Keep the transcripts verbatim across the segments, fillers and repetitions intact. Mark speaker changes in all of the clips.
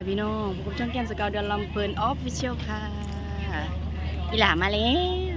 Speaker 1: พี่น้องพบกับช่องแก้มสกาวเดือนลำเพลินออฟฟิเชียลค่ะอีหลามาแล้ว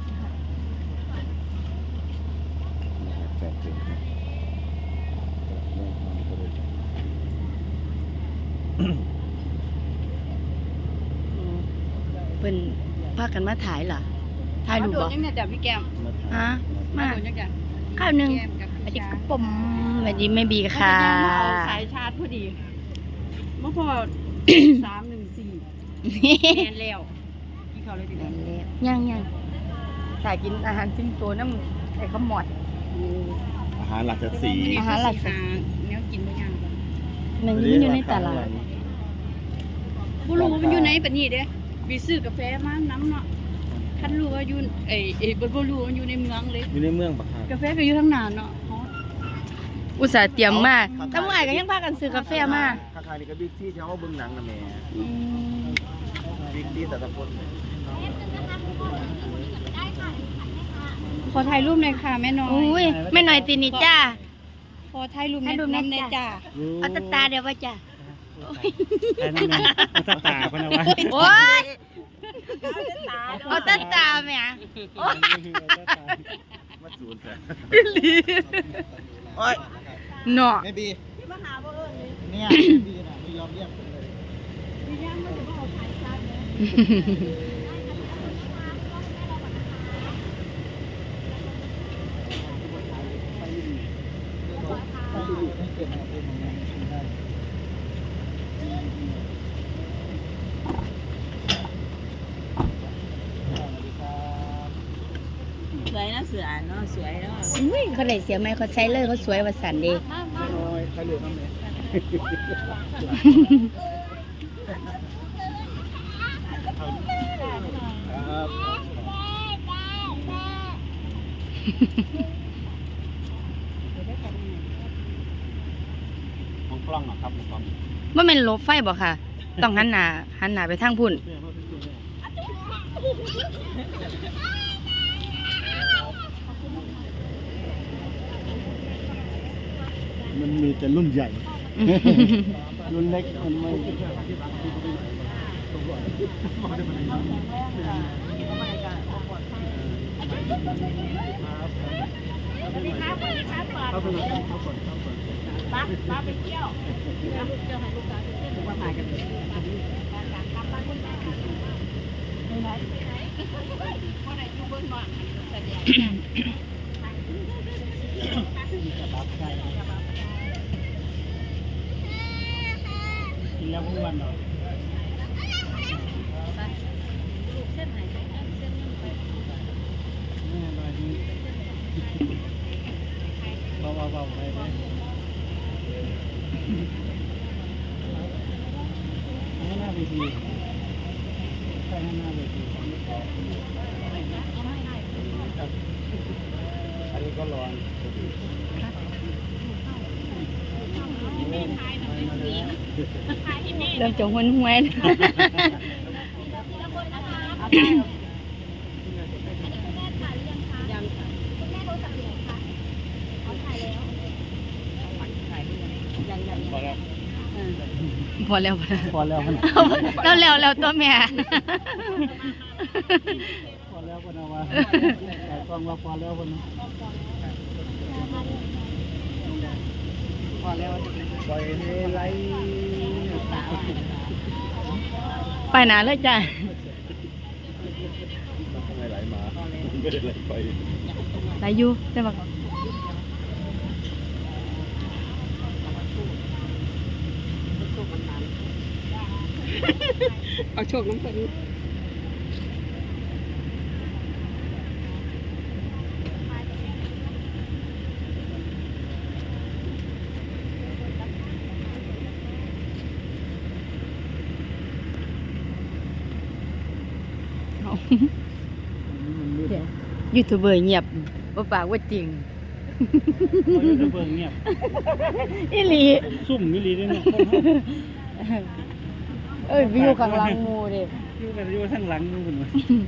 Speaker 1: เป็นพากันมาถ่ายเหรอถ่ายรูปบ่
Speaker 2: ยังเนี่ยแต่พี่แก้ม
Speaker 1: ฮะมาข้าวหนึ่งอันนี้ก็ปมวันนี้ไม่บีค่ะ
Speaker 2: สายชาร์จพอดีเมื่อพอสามหนึ่งสี่แนนแล้วกินข้าวเลยดีกว่า
Speaker 1: ย่างย่างถ่ายกินอาหารซิ่งตัวน้ำไอ้ข้าวหมอด
Speaker 3: อาหารหลักสี
Speaker 1: อาหารหลักสี
Speaker 2: เนี้ยกินไม่ยาก
Speaker 1: มันอยู่ในตลาด
Speaker 2: ผู้รู้มันอยู่ไหนปะนี่เด้บีซื้อกาแฟมาน้ำเนาะท่านรู้ว่าอยู่เอ้เอ้บนบรู้มันอยู่ในเมืองเลย
Speaker 3: อยู่ในเมืองปะครับ
Speaker 2: กาแฟก็อยู่ทั้งนานเนาะ
Speaker 1: อุตส่าห์เตรียมมาตั้งหลายก็ยังพากันซื้อกาแฟมา
Speaker 3: ข้างๆนี่ก็บิ๊กที่เขาเบิ้งหนังนะแม่บิ๊กที่แต่ละคน
Speaker 2: ขอถ่ายรูปหน่อยค่ะแม่น้อย
Speaker 1: อุ้ยแม่น้อยตีนี่จ้า
Speaker 2: ขอถ่ายรูปน้ำในจ้า
Speaker 1: เอาตาตาเดี๋ยวว่าจ้า
Speaker 3: เอาตาตาพนะวะ
Speaker 1: โอ้ยเอาตาตาแม่
Speaker 3: มาสูนเถอะ
Speaker 1: โอ้ยเนาะ
Speaker 3: ไม่บีเนี่ยบีน่ะไม่ยอมเรียกเลยบีย่างมันจะเอาถ่ายชาติ
Speaker 2: สวยนะเสือเนาะสวยเนาะ
Speaker 1: เขาได้เสียไหมเขาใช้เลยเขาสวยว่าสันดี
Speaker 3: ใครเหลือบ้างเนี่ยของกล้องเหรอครับของกล้อง
Speaker 1: ว่าเป็นรถไฟบ่ค่ะต้องหันหน้าหันหน้าไปทางพุ่น
Speaker 3: มันมีแต่รุ่นใหญ่ รุ่นเล็กมันไม่
Speaker 2: ป้าป้าไปเที่ยวเที่ยวให้ลูกสาวเที่ยวมาถ่ายกันกลับบ้านคุณแม่ไม่ไหนพ่อไหนอยู่เบื้องหลังแสดง
Speaker 3: กินแล้วทุกวันเหรอ
Speaker 2: เส้นไหนเส้นเส้นนึงไป
Speaker 3: แม่มาดีเบาเบาเบาไปไปให้หน้าเวทีใช่ให้หน้าเวทีอันนี้ก็ร้อน
Speaker 1: เริ่มจงหุ่นห้วยพอแล้ว
Speaker 3: พอแล้ว
Speaker 1: แล้วแล้วแล้วตัวแม่
Speaker 3: พอแล้วพอนะวะแต่กล้องว่าพอแล้วพอนะพอแล้วปล่อยให้ไหล
Speaker 1: ไปหนาเลยจ้ะ
Speaker 3: ไม่ไหลมาไม่ได้ไหลไป
Speaker 1: ไหลอยู่ใช่ปะ
Speaker 2: เอาโชคน้ำเพลิน
Speaker 1: ยูทูบเบอร์เงียบว่าปากว่าจริง
Speaker 3: ยูทูบเบอร์เงียบ
Speaker 1: อีหลี
Speaker 3: ซุ่มอีหลีด้วยเนี่ย
Speaker 1: เอ้ยวิวข้างหลังงูดิ
Speaker 3: วิวกันวิวข้างหลังงูกัน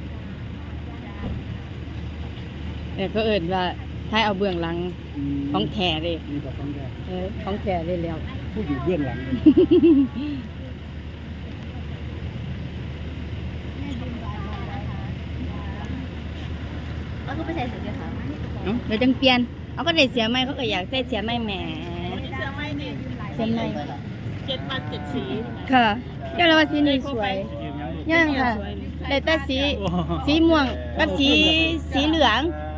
Speaker 1: เนี่ยก็เอิญว่าถ้าเอาเบื้องหลังของแท้เลย
Speaker 3: มีแต่ของแท้
Speaker 1: เออของแท้เลยแล้ว
Speaker 3: ผู้อยู่เบื้องหลัง
Speaker 2: ก็ไปใส่เสื้อขาว
Speaker 1: เอ้าเดี๋ยวจังเปลี่ยนเอาก็ได้เสียไหมเขาก็อยากใส่เสียไหมแหม
Speaker 3: เสื้อไม่นี่
Speaker 1: เสียไหม
Speaker 3: เจ็ดพันเจ็ดสี
Speaker 1: ค่ะเจ้าละว่าสีนี้สวยยังค่ะแต่แต่สีสีม่วงกับสีสีเหลือง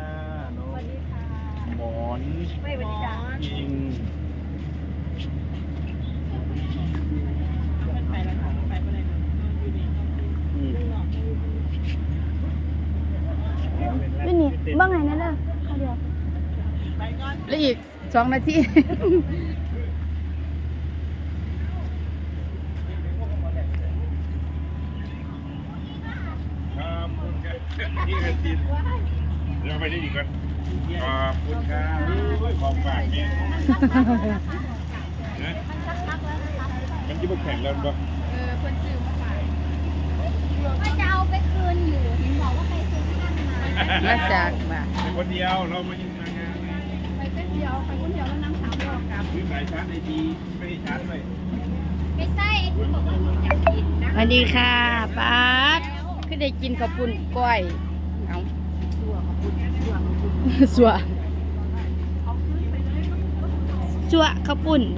Speaker 4: หมอนยิง
Speaker 3: ไปแล้วค่ะไปไปเลยอยู่นี่
Speaker 4: อืม
Speaker 1: นี่นี่บ้างไงนะเด้อเขาเดียว
Speaker 3: ไปก่อน
Speaker 1: แล้วอีกสองนาที
Speaker 4: ครับคุณครับนี่กันทีเดี๋ยวไปได้อีกกันขอบคุณครับของฝากเนี่ยนะมันจะมาแข่งแล้วปะ
Speaker 2: ก็จะเอาไปคืนอยู่เห็นบอกว่าไปซื้อข้างมา
Speaker 1: มาจากบ้าน
Speaker 4: เป็นคนเดียวเรามายิงมางาน
Speaker 2: ไปแป๊บเดียวไปคนเดียวแล้วนั่งสามรอบกลับ
Speaker 4: ซื้อสายชาร์จไอทีไม่ได้ชาร์จเลย
Speaker 2: ไม่ใช่ไอ้ที่บอกว่าอยากกินนะ
Speaker 1: สวัสดีค่ะป้าดคือได้กินข้าวปุ้นก้อยเอาสัวสัวข้าวปุ้นบ่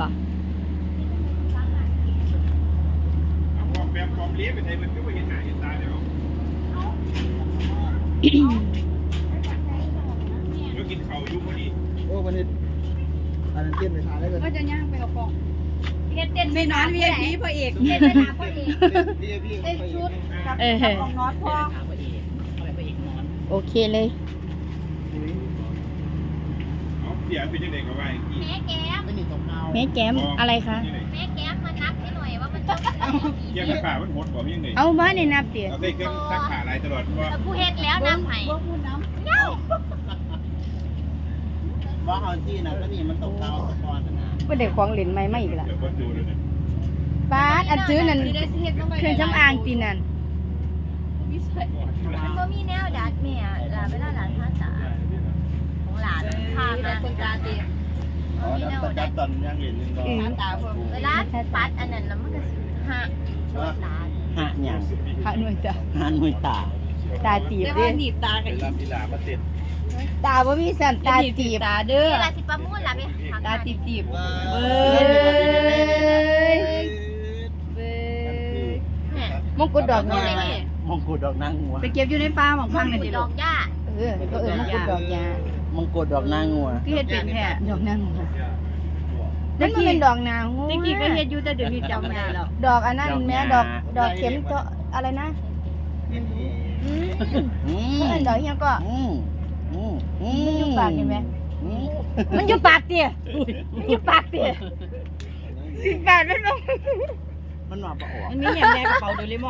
Speaker 4: ปอมแบบปอมเลี้ยงไปไทยมันก็ไม่เห็นหน้าเห็นตาเดี๋ยวเดี๋ยวกินเข่าอยู่พอดี
Speaker 3: โอ้วันนี้อันนั้นเต้นไปทานได้เลย
Speaker 2: ก็จะย่างไปกับกองเฮ็ดเต้น
Speaker 5: ไม่นอน วี ไอ พี พระเอก
Speaker 2: เต้นไปหาพ่อเอก
Speaker 3: พี่พี่
Speaker 2: เต้นชุดกับ
Speaker 1: เออ
Speaker 2: ของน็อตพ่อ
Speaker 1: โอเคเลย
Speaker 4: เอาเสียเป็นยังไงก็ว่าอีกที
Speaker 2: แม่แก้ม
Speaker 3: ไม่หนีตกเงา
Speaker 1: แม่แก้มอะไรคะ
Speaker 2: แม่แก้มมานับให้หน่อยว่ามันจะ
Speaker 4: เกี่ยวกับขามันหดกว่ายังไง
Speaker 1: เอาบ้านในนับเตี๋ย
Speaker 4: เราได้เครื่องซักขาอะไรตลอดว่า
Speaker 2: ผู้เฮ็ดแล้วน้ำไผ่เย้า
Speaker 3: ว่าเอาจี้นะก็นี่มันตกเงาตะกอนนะ
Speaker 1: ไม่ได้ของเหรียญใหม่มาอีกละ
Speaker 4: เดี๋ยวก็ดูเลยเนี่ย
Speaker 1: ป้าดอันซื้อนั่นเครื่องสำอางตีนั่น
Speaker 2: มันก็มีแนวดัดแม่หลานเวลาหลานท่าตาของหลานพามาคนตาตี
Speaker 3: อ๋อแล้วตะกัดตอนยังเห็นหนึ่งดอก
Speaker 2: ตาผมเวลาปัดอันนั้นแล้วมันก็สิหักชดหลาน
Speaker 3: หะหยัง
Speaker 1: พระหน่วยตา
Speaker 3: หะหน่วยตา
Speaker 1: ตาตีบ
Speaker 5: แต่
Speaker 1: เด้
Speaker 5: ว่าหนีบตากับ
Speaker 4: เวลามีหลามาติด
Speaker 1: ตาบ่มีสันตา
Speaker 5: หนีบ
Speaker 1: ตีบ
Speaker 5: ตาเด้อ
Speaker 2: เวลาสิประมูลล่ะแม่
Speaker 5: ตาตีบตีบ
Speaker 1: เบ้
Speaker 5: เบ้
Speaker 1: ย
Speaker 5: ย
Speaker 1: เบ้ย
Speaker 2: เนี่ย
Speaker 1: มงกุฎดอก
Speaker 2: ม
Speaker 1: ยา
Speaker 3: มงกุฎดอกนางงัว
Speaker 5: ไปเก็บอยู่ในป่าหมองพังเลยดิ
Speaker 2: ด
Speaker 5: ลู
Speaker 2: อก กหญ้า
Speaker 1: เออก็เออมงกุฎดอกยาม
Speaker 3: งกุฎดอกนางงัว
Speaker 5: คือเฮ็ดเป็นแท้
Speaker 1: ดอกนางหัวนั่นมันเป็นดอกนางหัว
Speaker 5: ตะกี้ก็เฮ็ดอยู่แต่เดี๋ยวนี้จำไม่ได้แล้ว
Speaker 1: ดอกอันนั้นแม่ดอกดอกเข็มเจาะอะไรนะอืม
Speaker 3: อืม
Speaker 1: เพิ่นดอกเฮียก็
Speaker 3: อืมอืมอืม
Speaker 1: มันอยู่ปากเห็นไหม
Speaker 3: อืม
Speaker 1: มันอยู่ปากเตี้ยมันอยู่ปากเตี้ยสิบบาทมันบ่
Speaker 3: มันหนาปะออก
Speaker 5: มันมีอย่างแดงกระเป๋าโดเรมอน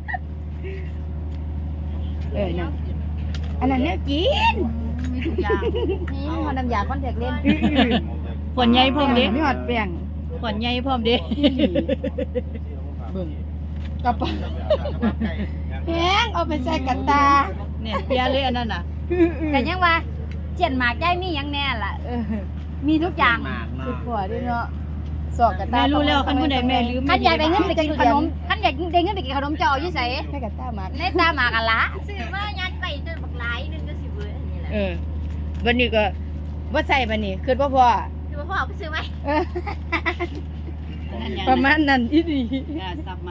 Speaker 1: เออนั่นอันนั้นเนี่ยกิน
Speaker 5: มีทุกอย่าง
Speaker 1: นี่มันน้ำยาคอนแทคเลนส์
Speaker 5: ขวดใหญ่พร้อมเด้
Speaker 1: ไม่หอดแป้ง
Speaker 5: ขวดใหญ่พร้อมเด้
Speaker 1: เบิ่งกระเป๋าแพงเอาไปใส่กันตา
Speaker 5: เนี่ยเปียเลยอันนั้นน่ะ
Speaker 2: แต่ยังว่าเจียนหมากได้มียังแน่ล่ะ
Speaker 1: เออ
Speaker 2: มีทุกอย่าง
Speaker 3: มาก
Speaker 1: สุ
Speaker 3: เนาะ
Speaker 1: ดหัวด้วยเนาะสอกกันตา
Speaker 5: แม่รู้แล้วคันผู้ใดแม่ลืม
Speaker 2: คันอยากได้เงินไปกินขนมคันอยากได้เงินไปกินขนมจะเอาอยู่ไส
Speaker 1: ให้กันตามาก
Speaker 2: ในตาหมากอะละซื้อมายัดไปจนบักหลายนึงก็สิเบิดอันนี้แหละ
Speaker 1: เออวันนี้ก็ว่าใส่บันนี้คือว่าพ่อ
Speaker 2: คือว่าพ่อเอาไปซื้อไหม
Speaker 1: เออประมาณนั้นอีดี
Speaker 5: อ่าสับมัน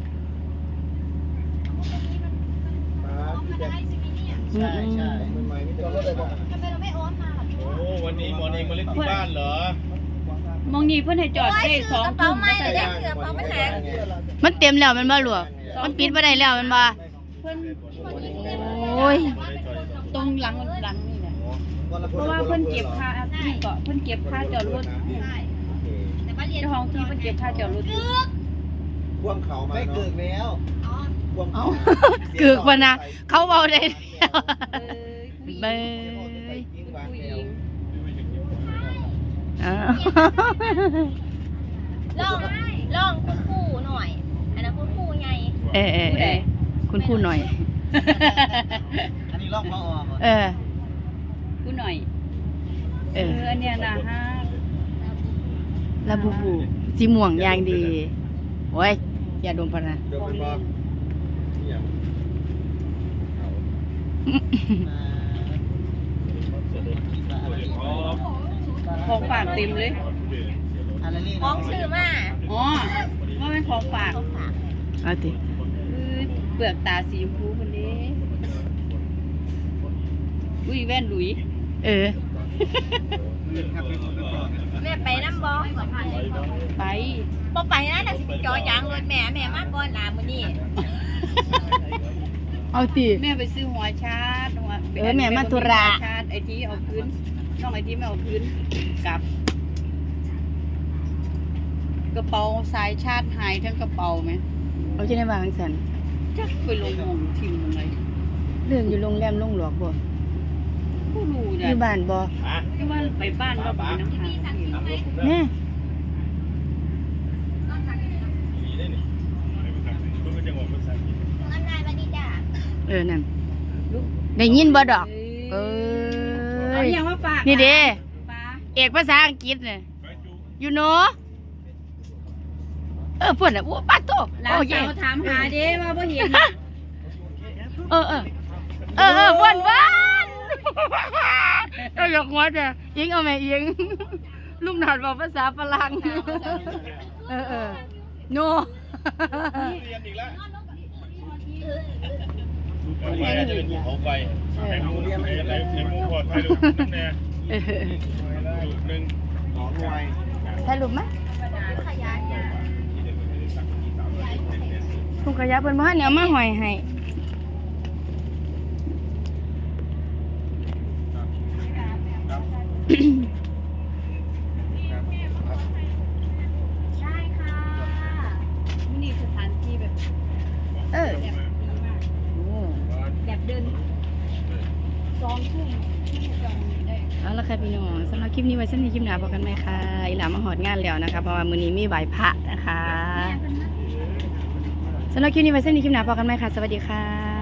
Speaker 3: ใช่ใช่มันใหม่ไม่ต้องเลยบอก
Speaker 2: ทำไมเราไม่โอนมาล่ะ
Speaker 4: โอ้วันนี้หมอเองมาเล่นที่บ้านเหรอ
Speaker 5: มองนี่เพิ่นให้จอด
Speaker 2: โอ้ย
Speaker 5: ได้
Speaker 2: ซื้อ
Speaker 5: สอก ง
Speaker 2: ระเป๋า
Speaker 5: ทุ่ม
Speaker 2: ใหม่เลยได้เสือกระเป๋ามันแหง
Speaker 1: มันเต็มแล้วมันบ่หลวมันปิดบ่ได้แล้วมันบ่
Speaker 5: เพิ่น
Speaker 1: โอ้ย
Speaker 5: ตรงหลังหลังนี่แหละเพราะว่าเพิ่นเก็บค่าที่เกาะเพิ่นเก็บค่าจอดรถ
Speaker 2: แต่ว่าเรียน
Speaker 5: เจ้าของที่เพิ่นเก็บค่าจอดรถ
Speaker 3: พ่วงเขามาไม่เกิดแล้วพ่วง
Speaker 1: เอากึกบ่นะเขาเว้าได้แล้ว
Speaker 5: เออ
Speaker 1: เบ้ย
Speaker 5: ผู้หญิง
Speaker 1: อ้าว
Speaker 2: ลองลองคุณครูหน่อย อันนั้นคุณครูไง
Speaker 1: เออเออเออคุณครูหน่อย
Speaker 3: อันนี้ลอกมาออก
Speaker 1: เออ
Speaker 5: ผู้หน่อย
Speaker 1: เอ
Speaker 5: เอ
Speaker 1: อ
Speaker 5: ออันเนี้ยนะฮะ
Speaker 1: ลาบูบูสีม่วงอย่างดีโอ้ยอย่าดมพะนะ
Speaker 3: เดี๋ยวมันบอก
Speaker 5: ของฝากเต็มเลย
Speaker 3: อะไรนี่
Speaker 2: ของซื้อมา
Speaker 5: อ๋อว่าเป็นของฝาก
Speaker 1: เอาติ
Speaker 5: คือเปลือกตาสีชมพูคนนี้อุ้ยแว่นหลุย
Speaker 1: เออ
Speaker 2: แม่ไปน้ำบ่
Speaker 5: ไป
Speaker 2: บ่ไปนะน่ะสิไปจอยางรถแม่แม่มาก่อนลามื้อนี้
Speaker 1: เอาติ
Speaker 5: แม่ไปซื้อหัวชาร์จหัว
Speaker 1: เออแม่มาธุระ
Speaker 5: หัวชาร์จไอทีเอาคืนน้องไอทีไม่เอาคืนกลับ กระเป๋าสายชาร์จหายทั้งกระเป๋าไหม
Speaker 1: เอาจะได้วางสัน
Speaker 5: จักไปลงหมองทิมลงไหน
Speaker 1: เรื่องอยู่โรงแรมโรงหลวกบ่
Speaker 5: ผู้รู้
Speaker 1: อ
Speaker 5: เนี่ย
Speaker 1: ยู่บ้านบ่
Speaker 5: ที่ว่าไปบ้านเราไปน้ำทางที่
Speaker 1: แน่
Speaker 2: อันนายบัดนี้จ้ะ
Speaker 1: เออนั่นได้ยินบ่ดอก เอ
Speaker 5: เอา
Speaker 1: อ
Speaker 5: อย่างว่าฝาก
Speaker 1: นี่เด้
Speaker 5: ปลา
Speaker 1: เอกภาษาอังกฤษเนี่ยอยู่โนเออเพื่อนอ่ะโอ้ปัดโต
Speaker 5: หลา
Speaker 1: โอ้
Speaker 5: น
Speaker 1: เย่
Speaker 5: สาวถามหาเด้ว่าบ่เห็น
Speaker 1: เออเออเออเออเพื่อนเพื่อนเออหยอกหัวจ้ะยิงเอาไหมยิงลูกหนอดบอกภาษาฝรั่งเออเออโน
Speaker 4: เรียนอีกแล้วลูกไฟจะเป็นภูเขาไฟไอ้มูเรียนอะไรไอ้มูปลอดภัยลูกนั่นแน่
Speaker 1: เออ
Speaker 4: ลูกหนึ่ง
Speaker 3: สองหน่วย
Speaker 1: สรุปไหมถุงขยะเพิ่นบ่ทันเนี่ยเอามาห้อยให้
Speaker 2: ได้ค่ะ
Speaker 5: นี่สถานที่แบบ
Speaker 1: เออโอ้
Speaker 5: แบบเดินสองทุ่มที่จองได้
Speaker 1: เอาละค่ะพี่น้องสำหรับคลิปนี้ไว้สั้นในคลิปหน้าพบกันไหมคะอีหลามาหอดงานแล้วนะคะเพราะว่ามื้อนี้มีไหว้พระนะคะสำหรับคลิปนี้ไว้สั้นในคลิปหน้าพบกันไหมคะสวัสดีค่ะ